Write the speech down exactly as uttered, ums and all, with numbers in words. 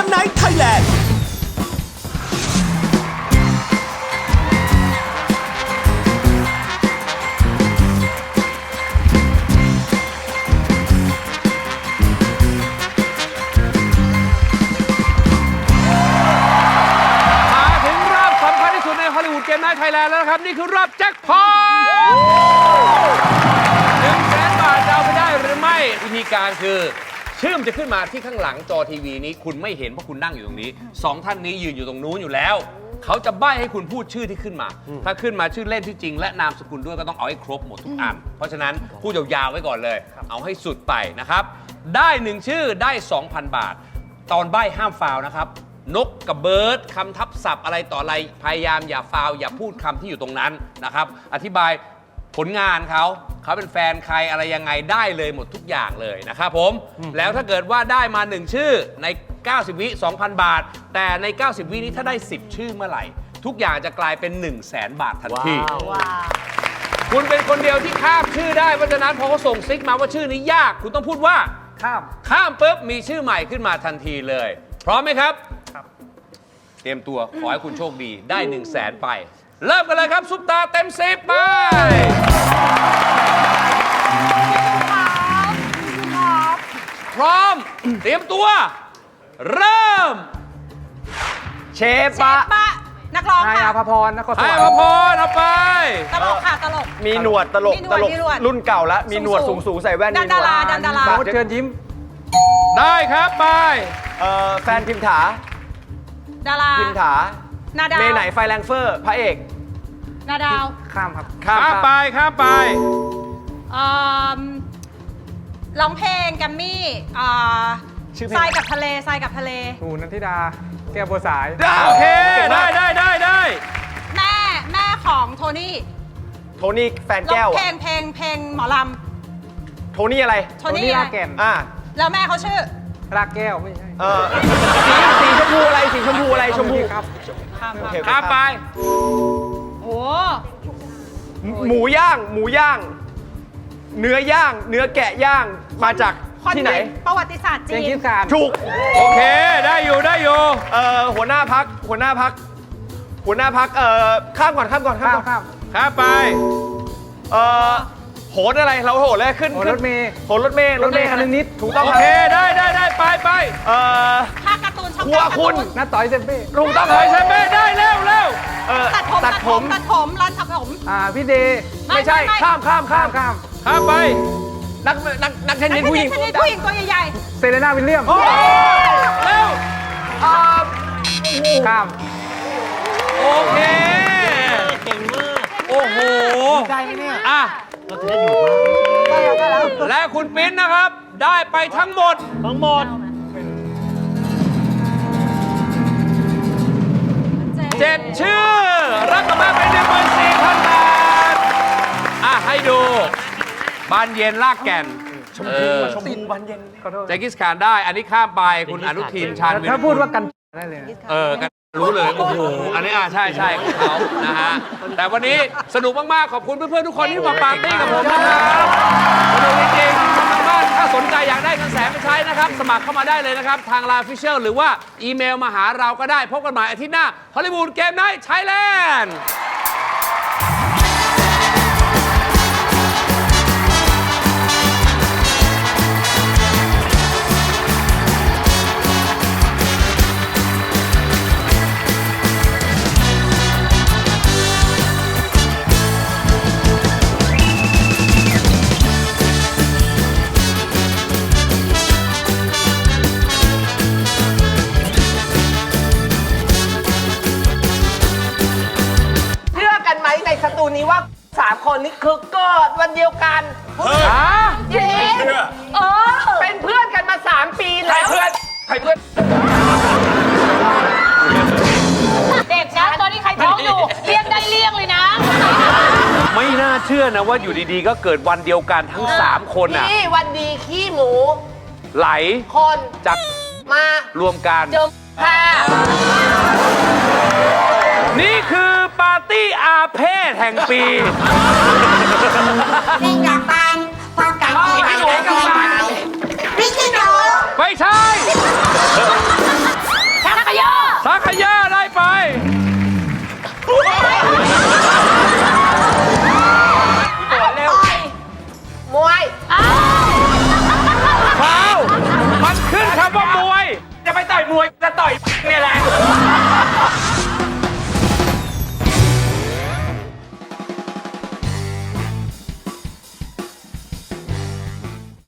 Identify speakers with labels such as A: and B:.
A: ไนท์ไทยแลนด์
B: เกมไนท์ไทยแลนด์แล้วนะครับนี่คือรอบแจ็คพอตหนึ่งแสนบาทจะเอาไปได้หรือไม่วิธีการคือชื่อมจะขึ้นมาที่ข้างหลังจอทีวีนี้คุณไม่เห็นเพราะคุณนั่งอยู่ตรงนี้สองท่านนี้ยืนอยู่ตรงนู้นอยู่แล้วเขาจะใบ้ให้คุณพูดชื่อที่ขึ้นมาถ้าขึ้นมาชื่อเล่นที่จริงและนามสกุลด้วยก็ต้องเอาให้ครบหมดทุกอันเพราะฉะนั้นพูดยาวๆไว้ก่อนเลยเอาให้สุดไปนะครับได้หนึ่งชื่อได้ สองพัน บาทตอนใบ้ห้ามฟาวนะครับนกกับเบิร์ดคำทับศัพท์อะไรต่ออะไรพยายามอย่าฟาวอย่าพูดคำที่อยู่ตรงนั้นนะครับอธิบายผลงานเขาเขาเป็นแฟนใครอะไรยังไงได้เลยหมดทุกอย่างเลยนะครับผมแล้วถ้าเกิดว่าได้มาหนึ่งชื่อในเก้าสิบวิ สองพัน บาทแต่ในเก้าสิบวินี้ถ้าได้สิบชื่อเมื่อไหร่ทุกอย่างจะกลายเป็น หนึ่งแสน บาททันทีคุณเป็นคนเดียวที่ข้ามชื่อได้เพราะฉะนั้นพอเขาส่งซิกมาว่าชื่อนี้ยากคุณต้องพูดว่าข้ามข้ามปุ๊บมีชื่อใหม่ขึ้นมาทันทีเลยพร้อมไหมครับเตรียมตัวขอให้คุณโชคดีได้หนึ่งแสนไปเริ่มกันเลยครับซุปตาเต็มสิบไปพร้อมเตรียมตัวเริ่ม
C: เชฟปะ
D: นักร้องค่ะ
C: ไฮอาภพรนครสวรรค์
B: ไฮอาภพรเอาไป
D: ตลกค่ะตลก
C: มีหนวดตลกตลกรุ่นเก่าแล้วมีหนวดสูงสูงใส่แว่น
D: ดันดาราดันดารา
C: เชิญยิ้ม
B: ได้ครับไป
C: แฟนพิมถา
D: ดารา
C: พิมถา
D: นาดาว
C: เมย์ไหนไฟแรงเฟอร์พระเอก
D: นาดาว
C: ข้ามครับ
B: ข้ามไปข้ามไป
D: ร้องเพลงแกมมี่ทรายกับทะเลทรายกับทะเล
C: หนูนันทิดาแก้วบัวสาย
B: โอเคได้ได้ได้ได้
D: แม่แม่ของโทนี่
C: โทนี่แฟนแก้ว
D: เพลงเพลงเพลงหมอลำ
C: โทนี่อะไร
D: โทนี่
C: ลาแก่นอ่า
D: แล้วแม่เขาชื่อ
C: ลาแก้วไม่ใช่เออสีชมพูอะไรสีชมพูอะไรชมพูครับ
B: ข้ามไป
D: โอ้
C: หมูย่างหมูย่างเนื้อย่างเนื้อแกะย่างมาจากที่ไหน
D: ประวัติศาสตร์จีน
C: ถูก
B: โอเคได้อยู่ได้อยู่
C: เอ่อหัวหน้าพักหัวหน้าพักหัวหน้าพักเอ่อข้ามก่อนข้ามก่อนข้าม
B: ข้ามข้ามไป
C: เอ่อโหนอะไรเราโหนเลยขึ้น
B: รถเมย์
C: โหนรถเมย์รถเมย์คันนิดถูกต้อง
B: โอเคได้ได้ได้ไปไป
C: เอ่อ
D: ภาคการ์ตูนช่อง
C: ครัวคุณน้าต่อยเซมเป้
B: ถูกต้องต่อยเซมเป้ได้เร็วเร็ว
D: ตัดผมตัดผมตัดผมร้านตัดผม
C: อ่าพี่เดย์ไม่ใช่ข้ามข้ามข้ามข้าม
B: ข้ามไป
C: นักนักนักเทนนิสผู้หญิง
D: ผู้หญิงตัวใหญ่
C: ๆเซเลน่าวิลเลียม
B: เร็ว
C: ข้าม
B: โอเค
E: เก่งมาก
B: โอ้โห
E: ได้ไหมเนี่ย
B: อ่ะ
E: เราจะได้อยู่บ้าง
D: ได้แล้ว
B: และคุณปิ๊นนะครับได้ไปทั้งหมด
E: ทั้งหมด
B: เจ็ดชื่อรับกลับมาเป็นหนึ่งหมื่นสี่พันบาทอ่ะให้ดูบานเย็นลากแก่น
C: ชมพูชมพูบานเย็น
B: แจ็คกิสคานได้อันนี้ข้ามไปคุณอนุทินชาญวิร
C: ถ้าพูดว่ากันได้เลย
B: เออกันรู้เลยโอ้โหอันนี้อ่ะใช่ใช่ของเขานะฮะแต่วันนี้สนุกมากๆขอบคุณเพื่อนๆทุกคนที่มาปาร์ตี้กับผมนะครับสนุกจริงๆทางบ้านถ้าสนใจอยากได้เงินแสนไปใช้นะครับสมัครเข้ามาได้เลยนะครับทางไลน์ Official หรือว่าอีเมลมาหาเราก็ได้พบกันใหม่อาทิตย์หน้าฮอลลีวูดเกมไนท์ไทยแลนด์
F: ในสตูนี้ว่าสามคนนี้คือเกิดวันเดียวกัน
B: เฮ้ย
F: จริงเออเป็นเพื่อนกันมาสามปีแล้ว
B: ใครเพื่อนใครเพื่อน
D: เด็กนะตอนนี้ใครท้องอยู่เรียกได้เรียกเลยนะ
B: ไม่น่าเชื่อนะว่าอยู่ดีๆก็เกิดวันเดียวกันทั้งสามคนอ่ะ
F: นี่วันดีขี้หมู
B: ไหล
F: คน
B: จับ
F: มาร
B: วมกัน
F: เจอค่ะ
B: นี่คือปาร์ตี้อาเพศแห่งปี
F: นี่อยากตังความกันที่ไหนกันมาพี่ชิโน
B: ไม่ใช่